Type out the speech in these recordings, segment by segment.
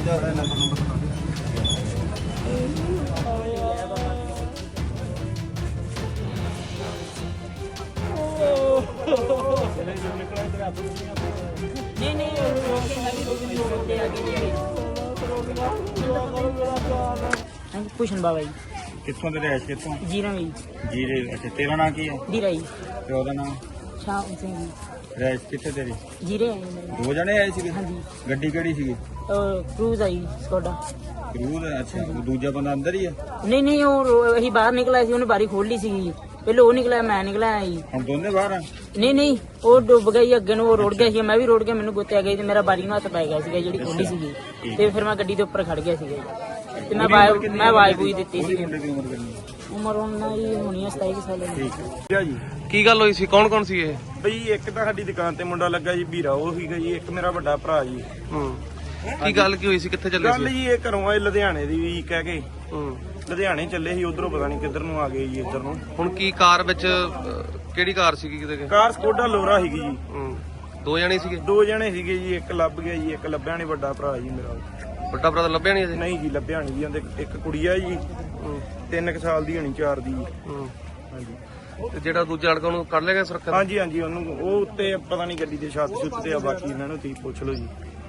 ਭੂਸ਼ਣ ਬਾਬਾ ਜੀ। ਕਿੱਥੋਂ ਦੇ ਰਹਿਸ਼ ਕਿੱਥੋਂ? ਜੀਰਾ ਜੀ। ਜੀਰੇ। ਅੱਛਾ, ਤੇਰਾ ਨਾਂ ਕੀ ਹੈ? ਜੀਰਾ ਜੀ। ਤੇ ਉਹਦਾ ਨਾਮ? ਸ਼ਾਮ ਸਿੰਘ ਜੀ। ਰਹਿਸ਼ ਕਿੱਥੇ ਤੇਰੀ? ਜੀਰੇ। 2 ਜਣੇ ਆਏ ਸੀਗੇ? ਹਾਂਜੀ। ਗੱਡੀ ਕਿਹੜੀ ਸੀਗੀ? ਕਰੂਜ਼ ਆਈ ਸਕੋਡਾ। ਕਰੂਜ਼? ਅੱਛਾ, ਦੂਜਾ ਬੰਦਾ ਅੰਦਰ ਹੀ ਹੈ? ਨਹੀਂ ਉਹ ਅਸੀਂ ਬਾਹਰ ਨਿਕਲਿਆ ਸੀ, ਉਹਨੇ ਬਾਰੀ ਖੋਲ ਲਈ ਸੀਗੀ। ਪਹਿਲੇ ਉਹ ਨਿਕਲਿਆ, ਮੈਂ ਨਿਕਲਿਆ ਜੀ। ਹੁਣ ਦੋਨੇ ਬਾਹਰ ਆ? ਨਹੀਂ ਉਹ ਡੁੱਬ ਗਈ ਅੱਗੇ ਨੂੰ, ਉਹ ਰੁੜ ਗਿਆ ਸੀ, ਮੈਂ ਵੀ ਰੁੜ ਗਿਆ, ਮੈਨੂੰ ਗੁੱਤਿਆ ਗਈ ਤੇ ਮੇਰਾ ਬਾਰੀ ਨੂੰ ਹੱਥ ਪੈ ਗਿਆ ਸੀਗਾ ਜਿਹੜੀ ਖੋਲੀ ਸੀਗੀ। ਤੇ ਫਿਰ ਮੈਂ ਗੱਡੀ ਦੇ ਉੱਪਰ ਖੜ ਗਿਆ ਸੀਗਾ ਤੇ ਮੈਂ ਆਵਾਜ਼ ਬੂਈ ਦਿੱਤੀ ਸੀ। ਉਮਰ ਉਹਨਾਂ ਦੀ ਹੋਣੀ 27 ਸਾਲ ਦੀ। ਠੀਕ ਹੈ ਜੀ। ਕੀ ਗੱਲ ਹੋਈ ਸੀ? ਕੌਣ ਕੌਣ ਸੀ ਇਹ? ਬਈ ਇੱਕ ਤਾਂ ਸਾਡੀ ਦੁਕਾਨ ਤੇ ਮੁੰਡਾ ਲੱਗਾ ਜੀ, ਵੀਰਾ ਉਹ ਸੀਗਾ ਜੀ। ਇੱਕ ਮੇਰਾ ਵੱਡਾ ਭਰਾ ਜੀ। ਕੀ ਗੱਲ ਕੀ ਹੋਈ ਸੀ? ਕਿੱਥੇ ਚੱਲੇ ਗੱਲ ਜੀ ਇਹ ਘਰੋਂ ਆਏ ਲੁਧਿਆਣੇ ਦੀ ਵੀ ਕਹਿ ਕੇ। ਲੁਧਿਆਣੇ ਚੱਲੇ ਸੀ, ਉਧਰੋਂ ਪਤਾ ਨਹੀਂ ਕਿੱਧਰ ਨੂੰ ਆ ਗਏ ਜੀ, ਇੱਧਰ ਨੂੰ। ਹੁਣ ਕੀ ਕਾਰ ਵਿੱਚ ਕਿਹੜੀ ਕਾਰ ਸੀਗੀ? ਕਿਤੇ ਕਾਰ ਸਕੋਡਾ ਲੋਰਾ ਸੀਗੀ ਜੀ। 2 ਜਣੇ ਸੀਗੇ? 2 ਜਣੇ ਸੀਗੇ ਜੀ। ਇੱਕ ਲੱਭ ਗਿਆ ਜੀ, ਇੱਕ ਲੱਭਿਆ ਨਹੀਂ। ਵੱਡਾ ਭਰਾ ਜੀ ਮੇਰਾ। ਵੱਡਾ ਭਰਾ ਤਾਂ ਲੱਭਿਆ ਨਹੀਂ ਅਜੇ? ਨਹੀਂ ਜੀ, ਲੱਭਿਆ ਨਹੀਂ ਜੀ। ਉਹਦੇ ਇੱਕ ਕੁੜੀ ਆ ਜੀ, 3 ਸਾਲ ਦੀ ਹੋਣੀ, 4 ਦੀ ਜੀ। ਹਾਂਜੀ। ਤੇ ਜਿਹੜਾ ਦੂਜਾ ਲੜਕਾ ਉਹਨੂੰ ਕੱਢ ਲਿਆ ਗਿਆ ਸੁਰੱਖਿਆ? ਹਾਂਜੀ ਉਹਨੂੰ ਉਹ ਉੱਤੇ ਪਤਾ ਨਹੀਂ ਗੱਡੀ ਦੇ ਛੱਤ ਛੁੱਤ ਤੇ ਆ। ਬਾਕੀ ਇਹਨਾਂ ਨੂੰ ਤੁਸੀਂ ਪੁੱਛ ਲਓ ਜੀ।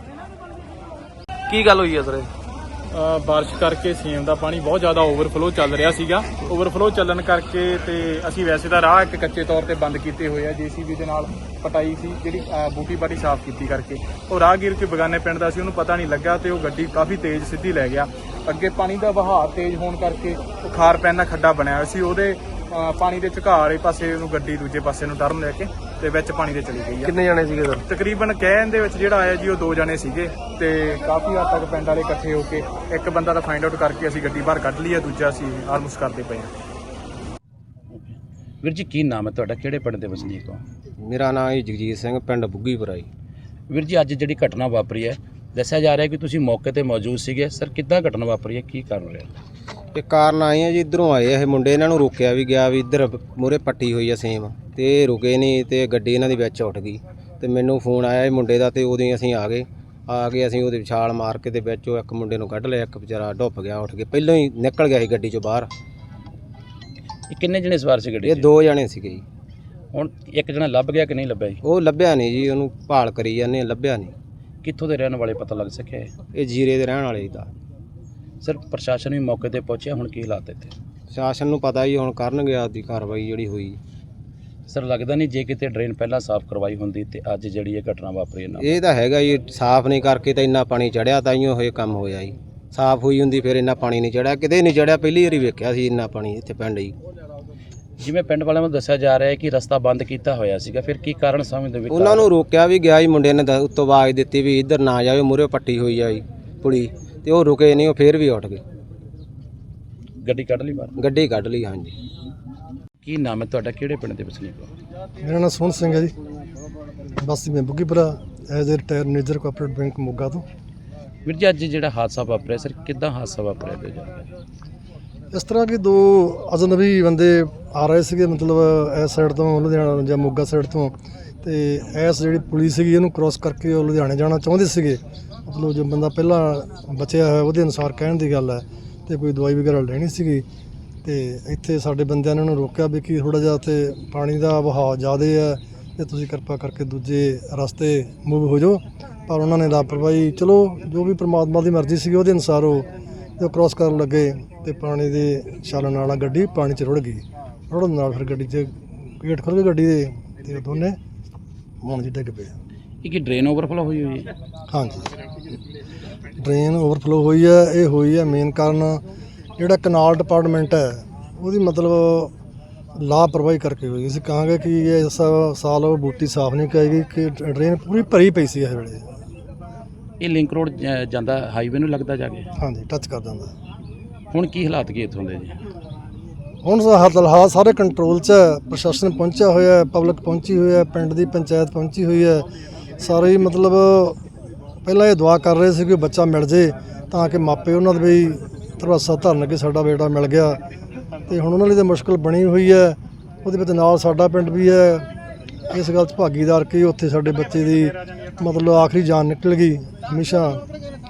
ਕੀ ਗੱਲ ਹੋਈ ਹੈ ਸਰ? ਬਾਰਿਸ਼ ਕਰਕੇ ਸੇਮ ਦਾ ਪਾਣੀ ਬਹੁਤ ਜ਼ਿਆਦਾ ਓਵਰਫਲੋ ਚੱਲ ਰਿਹਾ ਸੀਗਾ। ਓਵਰਫਲੋ ਚੱਲਣ ਕਰਕੇ ਤੇ ਅਸੀਂ ਵੈਸੇ ਤਾਂ ਰਾਹ ਇੱਕ ਕੱਚੇ ਤੌਰ ਤੇ ਬੰਦ ਕੀਤੇ ਹੋਏ ਆ। JCB ਦੇ ਨਾਲ ਪਟਾਈ ਸੀ ਜਿਹੜੀ ਬੂਟੀ ਬਾਟੀ ਸਾਫ਼ ਕੀਤੀ ਕਰਕੇ। ਉਹ ਰਾਹਗੀਰ ਕੋਈ ਬਗਾਨੇ ਪਿੰਡ ਦਾ ਸੀ, ਉਹਨੂੰ ਪਤਾ ਨਹੀਂ ਲੱਗਾ ਤੇ ਉਹ ਗੱਡੀ ਕਾਫੀ ਤੇਜ਼ ਸਿੱਧੀ ਲੈ ਗਿਆ। ਅੱਗੇ ਪਾਣੀ ਦਾ ਵਹਾਅ ਤੇਜ਼ ਹੋਣ ਕਰਕੇ ਉਹ ਖਾਰ ਪੈਣ ਦਾ ਖੱਡਾ ਬਣਿਆ ਹੋਇਆ ਸੀ। ਉਹਦੇ ਪਾਣੀ ਦੇ ਝੁਕਾਅ ਵਾਲੇ ਪਾਸੇ ਉਹਨੂੰ ਗੱਡੀ ਦੂਜੇ ਪਾਸੇ ਨੂੰ ਟਰਨ ਲੈ ਕੇ ਤੇ ਵਿੱਚ ਪਾਣੀ ਦੇ ਚਲੀ ਗਈ ਆ। ਕਿੰਨੇ ਜਣੇ ਸੀਗੇ ਸਰ? ਤਕਰੀਬਨ ਕਹਿਣ ਦੇ ਵਿੱਚ ਜਿਹੜਾ ਆਇਆ ਜੀ ਉਹ 2 ਜਣੇ ਸੀਗੇ ਤੇ ਕਾਫੀ ਹੱਦ ਤੱਕ ਪਿੰਡ ਵਾਲੇ ਇਕੱਠੇ ਹੋ ਕੇ ਇੱਕ ਬੰਦਾ ਤਾਂ ਫਾਈਂਡ ਆਊਟ ਕਰਕੇ ਅਸੀਂ ਗੱਡੀ ਬਾਹਰ ਕੱਢ ਲਈ ਆ, ਦੂਜਾ ਅਸੀਂ ਆਲਮੋਸਟ ਕਰਦੇ ਪਏ ਆ। ਵੀਰ ਜੀ ਕੀ ਨਾਮ ਹੈ ਤੁਹਾਡਾ? ਕਿਹੜੇ ਪਿੰਡ ਦੇ ਵਸਨੀਕ ਹੋ? ਮੇਰਾ ਨਾਮ ਹੈ ਜਗਜੀਤ ਸਿੰਘ, ਪਿੰਡ ਬੁੱਗੀਪੁਰਾ ਜੀ। ਵੀਰ ਜੀ ਅੱਜ ਜਿਹੜੀ ਘਟਨਾ ਵਾਪਰੀ ਹੈ, ਦੱਸਿਆ ਜਾ ਰਿਹਾ ਕਿ ਤੁਸੀਂ ਮੌਕੇ ਤੇ ਮੌਜੂਦ ਸੀਗੇ। ਸਰ ਕਿੱਦਾਂ ਘਟਨਾ ਵਾਪਰੀ ਹੈ, ਕੀ ਕਾਰਨ ਰਿਹਾ? ਇਹ ਕਾਰਨ ਆਏ ਆ ਜੀ, ਇੱਧਰੋਂ ਆਏ ਇਹ ਮੁੰਡੇ, ਇਹਨਾਂ ਨੂੰ ਰੋਕਿਆ ਵੀ ਗਿਆ ਵੀ ਇੱਧਰ ਮੂਹਰੇ ਪੱਟੀ ਹੋਈ ਆ ਸੇਮ, ਤੇ ਇਹ ਰੁਕੇ ਨਹੀਂ ਤੇ ਗੱਡੀ ਇਹਨਾਂ ਦੀ ਵਿੱਚ ਉੱਠ ਗਈ। ਤੇ ਮੈਨੂੰ ਫੋਨ ਆਇਆ ਇਹ ਮੁੰਡੇ ਦਾ ਤੇ ਉਦੋਂ ਅਸੀਂ ਆ ਗਏ ਅਸੀਂ ਉਹਦੇ ਛਾਲ ਮਾਰ ਕੇ ਤੇ ਵਿੱਚੋਂ ਇੱਕ ਮੁੰਡੇ ਨੂੰ ਕੱਢ ਲਿਆ। ਇੱਕ ਵਿਚਾਰਾ ਡੁੱਬ ਗਿਆ, ਉੱਠ ਕੇ ਪਹਿਲਾਂ ਹੀ ਨਿਕਲ ਗਿਆ ਸੀ ਗੱਡੀ ਚੋਂ ਬਾਹਰ। ਇਹ ਕਿੰਨੇ ਜਣੇ ਸਵਾਰ ਸੀ ਗੱਡੀ 'ਚ? ਇਹ 2 ਜਣੇ ਸੀਗੇ ਜੀ। ਹੁਣ ਇੱਕ ਜਣਾ ਲੱਭ ਗਿਆ ਕਿ ਨਹੀਂ ਲੱਭਿਆ ਜੀ? ਉਹ ਲੱਭਿਆ ਨਹੀਂ ਜੀ, ਉਹਨੂੰ ਭਾਲ ਕਰੀ ਜਾਂਦੇ, ਲੱਭਿਆ ਨਹੀਂ। ਕਿੱਥੋਂ ਦੇ ਰਹਿਣ ਵਾਲੇ ਪਤਾ ਲੱਗ ਸਕਿਆ ਹੈ? ਇਹ ਜੀਰੇ ਦੇ ਰਹਿਣ ਵਾਲੇ ਦਾ। ਸਰ ਪ੍ਰਸ਼ਾਸਨ ਵੀ ਮੌਕੇ ਤੇ ਪਹੁੰਚਿਆ, ਹੁਣ ਕੀ ਹਾਲਾਤ ਇੱਥੇ? ਸ਼ਾਸਨ ਨੂੰ ਪਤਾ ਹੀ ਹੁਣ ਕਰਨਗੇ ਆਪਦੀ ਕਾਰਵਾਈ ਜਿਹੜੀ ਹੋਈ। ਸਰ ਲੱਗਦਾ ਨਹੀਂ ਜੇ ਕਿਤੇ ਡਰੇਨ ਪਹਿਲਾਂ ਸਾਫ਼ ਕਰਵਾਈ ਹੁੰਦੀ ਤੇ ਅੱਜ ਜਿਹੜੀ ਇਹ ਘਟਨਾ ਵਾਪਰੀ ਨਾ? ਇਹ ਤਾਂ ਹੈਗਾ ਜੀ, ਸਾਫ਼ ਨਹੀਂ ਕਰਕੇ ਤਾਂ ਇੰਨਾ ਪਾਣੀ ਚੜਿਆ, ਤਾਂ ਹੀ ਇਹ ਕੰਮ ਹੋਇਆ ਜੀ। ਸਾਫ਼ ਹੋਈ ਹੁੰਦੀ ਫਿਰ ਇੰਨਾ ਪਾਣੀ ਨਹੀਂ ਚੜਿਆ, ਕਿਤੇ ਨਹੀਂ ਚੜਿਆ। ਪਹਿਲੀ ਵਾਰੀ ਵੇਖਿਆ ਸੀ ਇੰਨਾ ਪਾਣੀ ਇੱਥੇ ਪਿੰਡ ਜੀ। ਜਿਵੇਂ ਪਿੰਡ ਵਾਲਿਆਂ ਨੂੰ ਦੱਸਿਆ ਜਾ ਰਿਹਾ ਹੈ ਕਿ ਰਸਤਾ ਬੰਦ ਕੀਤਾ ਹੋਇਆ ਸੀਗਾ, ਫਿਰ ਕੀ ਕਾਰਨ ਸਮਝਦੇ ਵੀ? ਉਹਨਾਂ ਨੂੰ ਰੋਕਿਆ ਵੀ ਗਿਆ ਜੀ, ਮੁੰਡੇ ਨੇ ਉੱਤੋਂ ਆਵਾਜ਼ ਦਿੱਤੀ ਵੀ ਇੱਧਰ ਨਾ ਜਾਵੇ, ਮੂਹਰੇ ਪੱਟੀ ਹੋਈ ਆ ਜੀ ਪੁਲੀ, ਤੇ ਉਹ ਰੁਕੇ ਨਹੀਂ, ਉਹ ਫੇਰ ਵੀ ਉੱਠ ਗਏ। ਗੱਡੀ ਕੱਢ ਲਈ ਬਾਹਰ? ਗੱਡੀ ਕੱਢ ਲਈ। ਹਾਂਜੀ। ਕੀ ਨਾਮ ਹੈ ਤੁਹਾਡਾ? ਕਿਹੜੇ ਪਿੰਡ ਦੇ ਵਸਨੀਕ ਹੋ? ਮੇਰਾ ਨਾਮ ਸੋਹਣ ਸਿੰਘ ਹੈ ਜੀ, ਬਸਤੀ ਮੈਂ Buggipura, as a retire manager cooperative bank Moga ਤੋਂ। ਵੀਰ ਜੀ ਅੱਜ ਜਿਹੜਾ ਹਾਦਸਾ ਵਾਪਰਿਆ ਸਰ, ਕਿੱਦਾਂ ਹਾਦਸਾ ਵਾਪਰਿਆ ਤੇ ਜਾਂਦਾ? ਇਸ ਤਰ੍ਹਾਂ ਕਿ 2 ਅਜਨਬੀ ਬੰਦੇ ਆ ਰਹੇ ਸੀਗੇ, ਮਤਲਬ ਇਸ ਸਾਈਡ ਤੋਂ ਲੁਧਿਆਣਾ ਜਾਂ ਮੋਗਾ ਸਾਈਡ ਤੋਂ, ਤੇ ਇਸ ਜਿਹੜੀ ਪੁਲਿਸ ਸੀਗੀ ਇਹਨੂੰ ਕ੍ਰੋਸ ਕਰਕੇ ਉਹ ਲੁਧਿਆਣੇ ਜਾਣਾ ਚਾਹੁੰਦੇ ਸੀਗੇ। ਮਤਲਬ ਜੋ ਬੰਦਾ ਪਹਿਲਾਂ ਬਚਿਆ ਹੋਇਆ ਉਹਦੇ ਅਨੁਸਾਰ ਕਹਿਣ ਦੀ ਗੱਲ ਹੈ, ਤੇ ਕੋਈ ਦਵਾਈ ਵਗੈਰਾ ਲੈਣੀ ਸੀਗੀ। ਤੇ ਇੱਥੇ ਸਾਡੇ ਬੰਦਿਆਂ ਨੇ ਉਹਨੂੰ ਰੋਕਿਆ ਵੀ ਕਿ ਥੋੜ੍ਹਾ ਜਿਹਾ ਉੱਥੇ ਪਾਣੀ ਦਾ ਵਹਾਅ ਜ਼ਿਆਦਾ ਹੈ ਤੇ ਤੁਸੀਂ ਕਿਰਪਾ ਕਰਕੇ ਦੂਜੇ ਰਸਤੇ ਮੂਵ ਹੋ ਜਾਓ। ਪਰ ਉਹਨਾਂ ਨੇ ਲਾਪਰਵਾਹੀ, ਚਲੋ ਜੋ ਵੀ ਪ੍ਰਮਾਤਮਾ ਦੀ ਮਰਜ਼ੀ ਸੀਗੀ ਉਹਦੇ ਅਨੁਸਾਰ ਉਹ ਕ੍ਰੋਸ ਕਰਨ ਲੱਗੇ ਤੇ ਪਾਣੀ ਦੇ ਛਾਲਣ ਨਾਲ ਗੱਡੀ ਪਾਣੀ 'ਚ ਰੁੜ ਗਈ। ਰੁੜਨ ਨਾਲ ਫਿਰ ਗੱਡੀ 'ਚ ਗੇਟ ਖੁੱਲ੍ਹ ਗਏ ਗੱਡੀ ਦੇ, ਤੇ ਦੋਨੇ ਮੌਣ 'ਚ ਡਿੱਗ ਪਏ। ਇਹ ਕੀ ਡਰੇਨ ਓਵਰਫਲੋ ਹੋਈ ਹੋਈ ਹੈ? ਹਾਂਜੀ, ਡਰੇਨ ਓਵਰਫਲੋ ਹੋਈ ਹੈ। ਇਹ ਹੋਈ ਹੈ ਮੇਨ ਕਾਰਨ ਜਿਹੜਾ ਕਨਾਲ ਡਿਪਾਰਟਮੈਂਟ ਹੈ ਉਹਦੀ ਮਤਲਬ ਲਾਪਰਵਾਹੀ ਕਰਕੇ ਹੋਈ। ਅਸੀਂ ਕਹਾਂਗੇ ਕਿ ਇਸ ਸਾਲ ਉਹ ਬੂਟੀ ਸਾਫ਼ ਨਹੀਂ ਕਰਾਈ ਗਈ, ਕਿ ਡਰੇਨ ਪੂਰੀ ਭਰੀ ਪਈ ਸੀ ਇਸ ਵੇਲੇ। ਇਹ ਲਿੰਕ ਰੋਡ ਜਾਂਦਾ ਹਾਈਵੇ ਨੂੰ ਲੱਗਦਾ ਜਾ ਕੇ? ਹਾਂਜੀ, ਟੱਚ ਕਰ ਦਿੰਦਾ। ਹੁਣ ਕੀ ਹਾਲਾਤ ਕੀ ਇੱਥੋਂ ਦੇ ਜੀ? ਹੁਣ ਹਾਲਾਤ ਸਾਰੇ ਕੰਟਰੋਲ 'ਚ ਹੈ, ਪ੍ਰਸ਼ਾਸਨ ਪਹੁੰਚਿਆ ਹੋਇਆ, ਪਬਲਿਕ ਪਹੁੰਚੀ ਹੋਈ ਹੈ, ਪਿੰਡ ਦੀ ਪੰਚਾਇਤ ਪਹੁੰਚੀ ਹੋਈ ਹੈ। ਸਾਰੇ ਹੀ ਮਤਲਬ ਪਹਿਲਾਂ ਇਹ ਦੁਆ ਕਰ ਰਹੇ ਸੀ ਕਿ ਬੱਚਾ ਮਿਲ ਜੇ ਤਾਂ ਕਿ ਮਾਪੇ ਉਹਨਾਂ ਦੇ ਵੀ ਧਰਵਾਸਾ ਧਰਨ ਕਿ ਸਾਡਾ ਬੇਟਾ ਮਿਲ ਗਿਆ। ਤੇ ਹੁਣ ਉਹਨਾਂ ਲਈ ਤਾਂ ਮੁਸ਼ਕਲ ਬਣੀ ਹੋਈ ਹੈ, ਉਹਦੇ ਵਿੱਚ ਨਾਲ ਸਾਡਾ ਪਿੰਡ ਵੀ ਹੈ ਇਸ ਗੱਲ 'ਚ ਭਾਗੀਦਾਰ ਕਿ ਉੱਥੇ ਸਾਡੇ ਬੱਚੇ ਦੀ ਮਤਲਬ ਆਖਰੀ ਜਾਨ ਨਿਕਲ ਗਈ। ਹਮੇਸ਼ਾ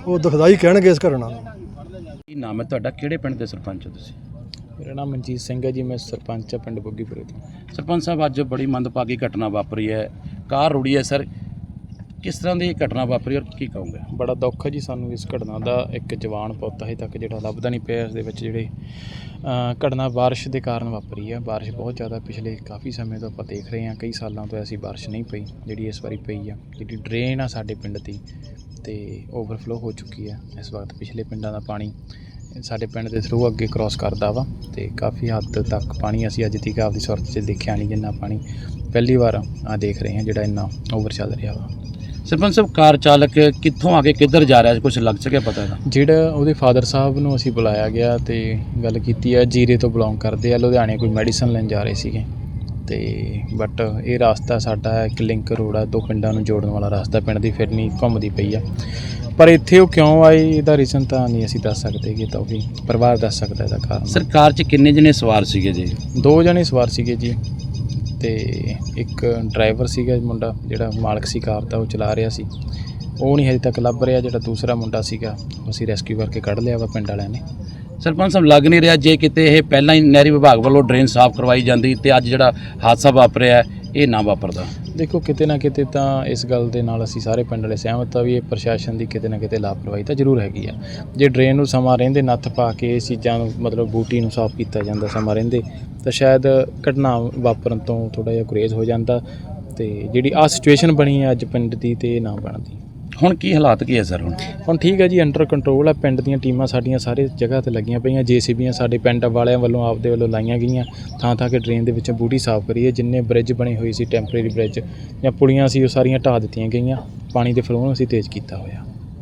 ਉਹ ਦੁਖਦਾਈ ਕਹਿਣਗੇ ਇਸ ਘਟਨਾ ਨੂੰ। ਕੀ ਨਾਮ ਹੈ ਤੁਹਾਡਾ, ਕਿਹੜੇ ਪਿੰਡ ਦੇ ਸਰਪੰਚ ਹੋ ਤੁਸੀਂ? ਮੇਰਾ ਨਾਮ ਮਨਜੀਤ ਸਿੰਘ ਹੈ ਜੀ, ਮੈਂ ਸਰਪੰਚ ਹਾਂ ਪਿੰਡ ਬੁੱਗੀਪੁਰੇ ਤੋਂ। ਸਰਪੰਚ ਸਾਹਿਬ, ਅੱਜ ਬੜੀ ਮੰਦਭਾਗੀ ਘਟਨਾ ਵਾਪਰੀ ਹੈ, ਕਾਰ ਰੁੜੀ ਹੈ ਸਰ, ਕਿਸ ਤਰ੍ਹਾਂ ਦੀ ਘਟਨਾ ਵਾਪਰੀ ਔਰ ਕੀ ਕਹੋਗੇ? ਬੜਾ ਦੁੱਖ ਹੈ ਜੀ ਸਾਨੂੰ ਇਸ ਘਟਨਾ ਦਾ। ਇੱਕ ਜਵਾਨ ਪੁੱਤ ਹਜੇ ਤੱਕ ਜਿਹੜਾ ਲੱਭਦਾ ਨਹੀਂ ਪਿਆ। ਇਸ ਦੇ ਵਿੱਚ ਜਿਹੜੇ ਘਟਨਾ ਬਾਰਿਸ਼ ਦੇ ਕਾਰਨ ਵਾਪਰੀ ਹੈ। ਬਾਰਿਸ਼ ਬਹੁਤ ਜ਼ਿਆਦਾ ਪਿਛਲੇ ਕਾਫੀ ਸਮੇਂ ਤੋਂ ਆਪਾਂ ਦੇਖ ਰਹੇ ਹਾਂ, ਕਈ ਸਾਲਾਂ ਤੋਂ ਐਸੀ ਬਾਰਿਸ਼ ਨਹੀਂ ਪਈ ਜਿਹੜੀ ਇਸ ਵਾਰੀ ਪਈ ਆ। ਜਿਹੜੀ ਡਰੇਨ ਆ ਸਾਡੇ ਪਿੰਡ ਦੀ ਤੇ ਓਵਰਫਲੋ ਹੋ ਚੁੱਕੀ ਹੈ। ਇਸ ਵਕਤ ਪਿਛਲੇ ਪਿੰਡਾਂ ਦਾ ਪਾਣੀ ਸਾਡੇ ਪਿੰਡ ਦੇ ਥਰੂ ਅੱਗੇ ਕ੍ਰਾਸ ਕਰਦਾ ਵਾ ਤੇ ਕਾਫੀ ਹੱਦ ਤੱਕ ਪਾਣੀ ਅਸੀਂ ਅੱਜ ਤੱਕ ਆਪਦੀ ਸੁਰਤ 'ਚ ਦੇਖਿਆ ਨਹੀਂ, ਜਿੰਨਾ ਪਾਣੀ ਪਹਿਲੀ ਵਾਰ ਆ ਦੇਖ ਰਹੇ ਹਾਂ ਜਿਹੜਾ ਇੰਨਾ ਓਵਰ ਚੱਲ ਰਿਹਾ ਵਾ। ਸਰਪੰਚ ਸਾਹਿਬ, ਕਾਰ ਚਾਲਕ ਕਿੱਥੋਂ ਆ ਕੇ ਕਿੱਧਰ ਜਾ ਰਿਹਾ, ਕੁਝ ਲੱਗ ਸਕਿਆ ਪਤਾ ਇਹਦਾ? ਜਿਹੜਾ ਉਹਦੇ ਫਾਦਰ ਸਾਹਿਬ ਨੂੰ ਅਸੀਂ ਬੁਲਾਇਆ ਗਿਆ ਤੇ ਗੱਲ ਕੀਤੀ ਹੈ, ਜੀਰੇ ਤੋਂ ਬਿਲੋਂਗ ਕਰਦੇ ਆ, ਲੁਧਿਆਣੇ ਕੋਈ ਮੈਡੀਸਨ ਲੈਣ ਜਾ ਰਹੇ ਸੀਗੇ ਤੇ ਬਟ ਇਹ ਰਸਤਾ ਸਾਡਾ ਇੱਕ ਲਿੰਕ ਰੋਡ ਆ, ਦੋ ਪਿੰਡਾਂ ਨੂੰ ਜੋੜਨ ਵਾਲਾ ਰਸਤਾ, ਪਿੰਡ ਦੀ ਫਿਰਨੀ ਘੁੰਮਦੀ ਪਈ ਆ। ਪਰ ਇੱਥੇ ਉਹ ਕਿਉਂ ਆਏ ਇਹਦਾ ਰੀਜ਼ਨ ਤਾਂ ਨਹੀਂ ਅਸੀਂ ਦੱਸ ਸਕਦੇ, ਕਿ ਤਾਂ ਉਹ ਵੀ ਪਰਿਵਾਰ ਦੱਸ ਸਕਦਾ ਇਹਦਾ ਕਾਰਨ। ਸਰਕਾਰ 'ਚ ਕਿੰਨੇ ਜਣੇ ਸਵਾਰ ਸੀਗੇ ਜੀ? 2 ਜਣੇ ਸਵਾਰ ਸੀਗੇ ਜੀ ਤੇ ਇੱਕ ਡਰਾਈਵਰ ਸੀਗਾ ਮੁੰਡਾ ਜਿਹੜਾ ਮਾਲਕ ਸੀ ਕਾਰ ਦਾ, ਉਹ ਚਲਾ ਰਿਹਾ ਸੀ, ਉਹ ਨਹੀਂ ਹਜੇ ਤੱਕ ਲੱਭ ਰਿਹਾ। ਜਿਹੜਾ ਦੂਸਰਾ ਮੁੰਡਾ ਸੀਗਾ ਉਹ ਅਸੀਂ ਰੈਸਕਿਊ ਕਰਕੇ ਕੱਢ ਲਿਆ ਵਾ ਪਿੰਡ ਵਾਲਿਆਂ ਨੇ। ਸਰਪੰਚ ਸਾਹਿਬ, ਲੱਗ ਨਹੀਂ ਰਿਹਾ ਜੇ ਕਿਤੇ ਇਹ ਪਹਿਲਾਂ ਹੀ ਨਹਿਰੀ ਵਿਭਾਗ ਵੱਲੋਂ ਡਰੇਨ ਸਾਫ਼ ਕਰਵਾਈ ਜਾਂਦੀ ਤੇ ਅੱਜ ਜਿਹੜਾ ਹਾਦਸਾ ਵਾਪਰਿਆ ਇਹ ਨਾ ਵਾਪਰਦਾ। ਦੇਖੋ, ਕਿਤੇ ਨਾ ਕਿਤੇ ਤਾਂ ਇਸ ਗੱਲ ਦੇ ਨਾਲ ਅਸੀਂ ਸਾਰੇ ਪਿੰਡ ਵਾਲੇ ਸਹਿਮਤ ਆ ਵੀ ਇਹ ਪ੍ਰਸ਼ਾਸਨ ਦੀ ਕਿਤੇ ਨਾ ਕਿਤੇ ਲਾਪਰਵਾਹੀ ਤਾਂ ਜ਼ਰੂਰ ਹੈਗੀ ਆ। ਜੇ ਡਰੇਨ ਨੂੰ ਸਮਾਂ ਰਹਿੰਦੇ ਨੱਥ ਪਾ ਕੇ ਇਸ ਚੀਜ਼ਾਂ ਨੂੰ ਮਤਲਬ ਬੂਟੀ ਨੂੰ ਸਾਫ਼ ਕੀਤਾ ਜਾਂਦਾ ਸਮਾਂ ਰਹਿੰਦੇ, ਤਾਂ ਸ਼ਾਇਦ ਘਟਨਾ ਵਾਪਰਨ ਤੋਂ ਥੋੜ੍ਹਾ ਜਿਹਾ ਗੁਰੇਜ਼ ਹੋ ਜਾਂਦਾ ਤੇ ਜਿਹੜੀ ਆਹ ਸਿਚੁਏਸ਼ਨ ਬਣੀ ਹੈ ਅੱਜ ਪਿੰਡ ਦੀ ਤੇ ਇਹ ਨਾ ਬਣਦੀ। ਹੁਣ ਕੀ ਹਾਲਾਤ ਕੀ ਹੈ ਸਰ? ਹੁਣ ਠੀਕ ਹੈ ਜੀ, ਅੰਡਰ ਕੰਟਰੋਲ ਆ। ਪਿੰਡ ਦੀਆਂ ਟੀਮਾਂ ਸਾਡੀਆਂ ਸਾਰੇ ਜਗ੍ਹਾ ਤੇ ਲੱਗੀਆਂ ਪਈਆਂ, JCBਆਂ ਸਾਡੇ ਪਿੰਡ ਵਾਲਿਆਂ ਵੱਲੋਂ ਆਪਦੇ ਵੱਲੋਂ ਲਾਈਆਂ ਗਈਆਂ ਥਾਂ ਕਿ ਡਰੇਨ ਦੇ ਵਿੱਚੋਂ ਬੂਟੀ ਸਾਫ਼ ਕਰੀਏ। ਜਿੰਨੇ ਬ੍ਰਿਜ ਬਣੇ ਹੋਏ ਸੀ, ਟੈਂਪਰੇਰੀ ਬ੍ਰਿਜ ਜਾਂ ਪੁਲੀਆਂ ਸੀ, ਉਹ ਸਾਰੀਆਂ ਢਾਹ ਦਿੱਤੀਆਂ ਗਈਆਂ। ਪਾਣੀ ਦੇ ਫਲੋ ਨੂੰ ਅਸੀਂ ਤੇਜ਼ ਕੀਤਾ ਹੋਇਆ।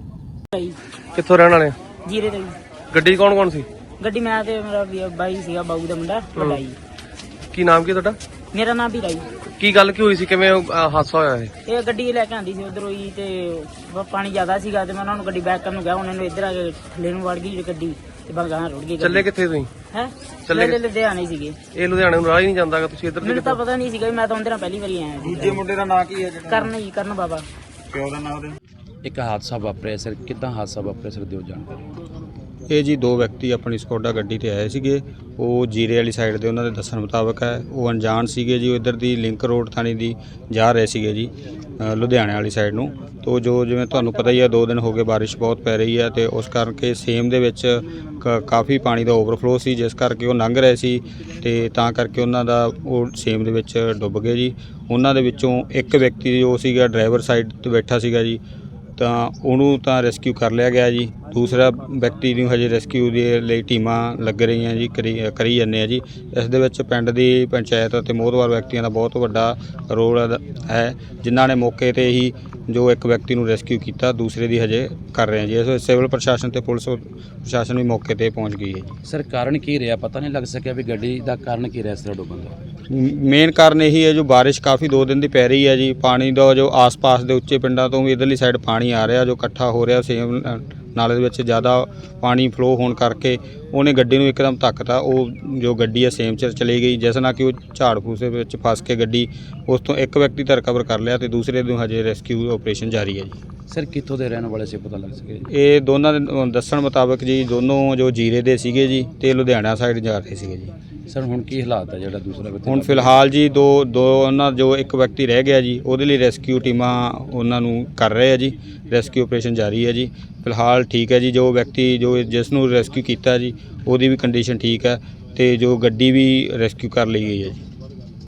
ਕਿੱਥੋਂ ਰਹਿਣ ਵਾਲੇ? ਜੀਰੇ ਤੋਂ ਜੀ। ਗੱਡੀ ਕੌਣ ਕੌਣ ਸੀ? ਗੱਡੀ ਮੈਂ ਤੇ ਮੇਰਾ ਬਾਈ ਸੀਗਾ, ਬਾਊ ਦਾ ਮੁੰਡਾ ਵੱਡਾ ਜੀ। ਕੀ ਨਾਮ ਕੀ ਤੁਹਾਡਾ? ਮੇਰਾ ਨਾਮ ਵੀਰਾ ਜੀ। ਕੀ ਗੱਲ ਕੀ ਹੋਈ ਸੀ, ਕਿਵੇਂ ਹਾਦਸਾ ਹੋਇਆ ਇਹ? ਇਹ ਗੱਡੀ ਲੈ ਕੇ ਆਂਦੀ ਸੀ ਉਧਰੋਂ ਹੀ ਤੇ ਪਾਣੀ ਜ਼ਿਆਦਾ ਸੀਗਾ ਤੇ ਮੈਂ ਉਹਨਾਂ ਨੂੰ ਗੱਡੀ ਬੈਕ ਕਰਨ ਨੂੰ ਗਿਆ, ਉਹਨਾਂ ਨੂੰ ਇੱਧਰ ਆ ਕੇ ਥੱਲੇ ਨੂੰ ਵੜ ਗਈ ਗੱਡੀ ਤੇ ਬਗਾਂ ਰੁੜ ਗਈ। ਚੱਲੇ ਕਿੱਥੇ ਤੁਸੀਂ? ਹੈ ਚੱਲੇ ਲੁਧਿਆਣੇ ਸੀਗੇ। ਇਹ ਲੁਧਿਆਣੇ ਨੂੰ ਰਾਹ ਹੀ ਨਹੀਂ ਜਾਂਦਾਗਾ, ਤੁਸੀਂ ਇੱਧਰ ਮੈਨੂੰ ਤਾਂ ਪਤਾ ਨਹੀਂ ਸੀਗਾ, ਮੈਂ ਤਾਂ ਉਹਦੇ ਨਾਲ ਪਹਿਲੀ ਵਾਰੀ ਆਇਆ। ਦੂਜੇ ਮੁੰਡੇ ਦਾ ਨਾਂ ਕੀ ਹੈ? ਕਰਨ ਜੀ, ਕਰਨ ਬਾਬਾ। ਪਿਓ ਦਾ ਨਾਂ ਉਹਦੇ? ਇੱਕ ਹਾਦਸਾ ਵਾਪਰਿਆ ਸਰ, ਕਿੱਦਾਂ ਹਾਦਸਾ ਵਾਪਰਿਆ ਸਰ, ਦਿਓ ਜਾਣਕਾਰੀ। ਇਹ ਜੀ 2 ਵਿਅਕਤੀ ਆਪਣੀ ਸਕੋਡਾ ਗੱਡੀ ਤੇ ਆਏ ਸੀਗੇ, ਉਹ ਜੀਰੇ ਵਾਲੀ ਸਾਈਡ ਦੇ ਉਹਨਾਂ ਦੇ ਦੱਸਣ ਮੁਤਾਬਕ ਹੈ। ਉਹ ਅਣਜਾਣ ਸੀਗੇ ਜੀ, ਉਹ ਇੱਧਰ ਦੀ ਲਿੰਕ ਰੋਡ ਥਾਣੀ ਦੀ ਜਾ ਰਹੇ ਸੀਗੇ ਜੀ ਲੁਧਿਆਣੇ ਵਾਲੀ ਸਾਈਡ ਨੂੰ। ਤੋ ਜਿਵੇਂ ਤੁਹਾਨੂੰ ਪਤਾ ਹੀ ਹੈ 2 ਦਿਨ ਹੋ ਗਏ ਬਾਰਿਸ਼ ਬਹੁਤ ਪੈ ਰਹੀ ਹੈ ਤੇ ਉਸ ਕਰਕੇ ਸੇਮ ਦੇ ਵਿੱਚ ਕਾਫੀ ਪਾਣੀ ਦਾ ਓਵਰਫਲੋ ਸੀ, ਜਿਸ ਕਰਕੇ ਉਹ ਲੰਘ ਰਹੇ ਸੀ ਤੇ ਤਾਂ ਕਰਕੇ ਉਹਨਾਂ ਦਾ ਉਹ ਸੇਮ ਦੇ ਵਿੱਚ ਡੁੱਬ ਗਏ ਜੀ। ਉਹਨਾਂ ਦੇ ਵਿੱਚੋਂ ਇੱਕ ਵਿਅਕਤੀ ਜੋ ਸੀਗਾ ਡਰਾਈਵਰ ਸਾਈਡ ਤੇ ਬੈਠਾ ਸੀਗਾ ਜੀ, ਤਾਂ ਉਹਨੂੰ ਤਾਂ ਰੈਸਕਿਊ ਕਰ ਲਿਆ ਗਿਆ ਜੀ। ਦੂਸਰਾ ਵਿਅਕਤੀ ਨੂੰ ਹਜੇ ਰੈਸਕਿਊ ਦੇ ਲਈ ਟੀਮਾਂ ਲੱਗ ਰਹੀਆਂ ਜੀ, ਕਰੀ ਜਾਂਦੇ ਆ ਜੀ। ਇਸ ਦੇ ਵਿੱਚ ਪਿੰਡ ਦੀ ਪੰਚਾਇਤ ਅਤੇ ਮੋਹਤਵਾਰ ਵਿਅਕਤੀਆਂ ਦਾ ਬਹੁਤ ਵੱਡਾ ਰੋਲ ਹੈ, ਜਿਨ੍ਹਾਂ ਨੇ ਮੌਕੇ ਤੇ ਹੀ ਜੋ ਇੱਕ ਵਿਅਕਤੀ ਨੂੰ ਰੈਸਕਿਊ ਕੀਤਾ, ਦੂਸਰੇ ਦੀ ਹਜੇ ਕਰ ਰਹੇ ਆ ਜੀ। ਇਸ ਸਿਵਲ ਪ੍ਰਸ਼ਾਸਨ ਤੇ ਪੁਲਿਸ ਪ੍ਰਸ਼ਾਸਨ ਵੀ ਮੌਕੇ ਤੇ ਪਹੁੰਚ ਗਈ ਹੈ ਜੀ। ਸਰ, ਕਾਰਨ ਕੀ ਰਿਹਾ, ਪਤਾ ਨਹੀਂ ਲੱਗ ਸਕਿਆ ਵੀ ਗੱਡੀ ਦਾ ਕਾਰਨ ਕੀ ਰਿਹਾ ਇਸ ਤਰ੍ਹਾਂ ਡੁੱਬਣ ਦਾ? ਮੇਨ ਕਾਰਨ ਇਹੀ ਹੈ ਜੋ ਬਾਰਿਸ਼ ਕਾਫੀ 2 ਦਿਨ ਦੀ ਪੈ ਰਹੀ ਹੈ ਜੀ। ਪਾਣੀ ਦਾ ਜੋ ਆਸ-ਪਾਸ ਦੇ ਉੱਚੇ ਪਿੰਡਾਂ ਤੋਂ ਵੀ ਇਧਰਲੀ ਸਾਈਡ ਪਾਣੀ ਆ ਰਿਹਾ, ਜੋ ਇਕੱਠਾ ਹੋ ਰਿਹਾ ਸੇਮ ਨਾਲੇ ਦੇ ਵਿੱਚ ਜ਼ਿਆਦਾ ਪਾਣੀ ਫਲੋ ਹੋਣ ਕਰਕੇ ਉਹਨੇ ਗੱਡੀ ਨੂੰ ਇੱਕਦਮ ਧੱਕਤਾ। ਉਹ ਜੋ ਗੱਡੀ ਹੈ ਸੇਮ ਚ ਚਲੀ ਗਈ, ਜਿਸ ਨਾਲ ਕਿ ਉਹ ਝਾੜ ਫੂਸੇ ਵਿੱਚ ਫਸ ਕੇ ਗੱਡੀ, ਉਸ ਤੋਂ ਇੱਕ ਵਿਅਕਤੀ ਤਾਂ ਰਿਕਵਰ ਕਰ ਲਿਆ ਤੇ ਦੂਸਰੇ ਨੂੰ ਹਜੇ ਰੈਸਕਿਊ ਆਪਰੇਸ਼ਨ ਜਾਰੀ ਹੈ ਜੀ। ਸਰ, ਕਿੱਥੋਂ ਦੇ ਰਹਿਣ ਵਾਲੇ ਸੀ, ਪਤਾ ਲੱਗ ਸਕਿਆ? ਇਹ ਦੋਨਾਂ ਦੇ ਦੱਸਣ ਮੁਤਾਬਕ ਜੀ ਦੋਨੋਂ ਜੋ ਜੀਰੇ ਦੇ ਸੀਗੇ ਜੀ ਤੇ ਲੁਧਿਆਣਾ ਸਾਈਡ ਜਾ ਰਹੇ ਸੀਗੇ ਜੀ। ਸਰ, ਹੁਣ ਕੀ ਹਾਲਾਤ ਹੈ ਜਿਹੜਾ ਦੂਸਰਾ ਵਿਅਕਤੀ? ਹੁਣ ਫਿਲਹਾਲ ਜੀ ਦੋ ਉਹਨਾਂ ਜੋ ਇੱਕ ਵਿਅਕਤੀ ਰਹਿ ਗਿਆ ਜੀ, ਉਹਦੇ ਲਈ ਰੈਸਕਿਊ ਟੀਮਾਂ ਉਹਨਾਂ ਨੂੰ ਕਰ ਰਹੇ ਆ ਜੀ, ਰੈਸਕਿਊ ਆਪਰੇਸ਼ਨ ਜਾਰੀ ਹੈ ਜੀ। ਫਿਲਹਾਲ ਠੀਕ ਹੈ ਜੀ, ਜੋ ਵਿਅਕਤੀ ਜਿਸ ਨੂੰ ਰੈਸਕਿਊ ਕੀਤਾ ਜੀ ਉਹਦੀ ਵੀ ਕੰਡੀਸ਼ਨ ਠੀਕ ਹੈ ਤੇ ਜੋ ਗੱਡੀ ਵੀ ਰੈਸਕਿਊ ਕਰ ਲਈ ਗਈ ਹੈ ਜੀ।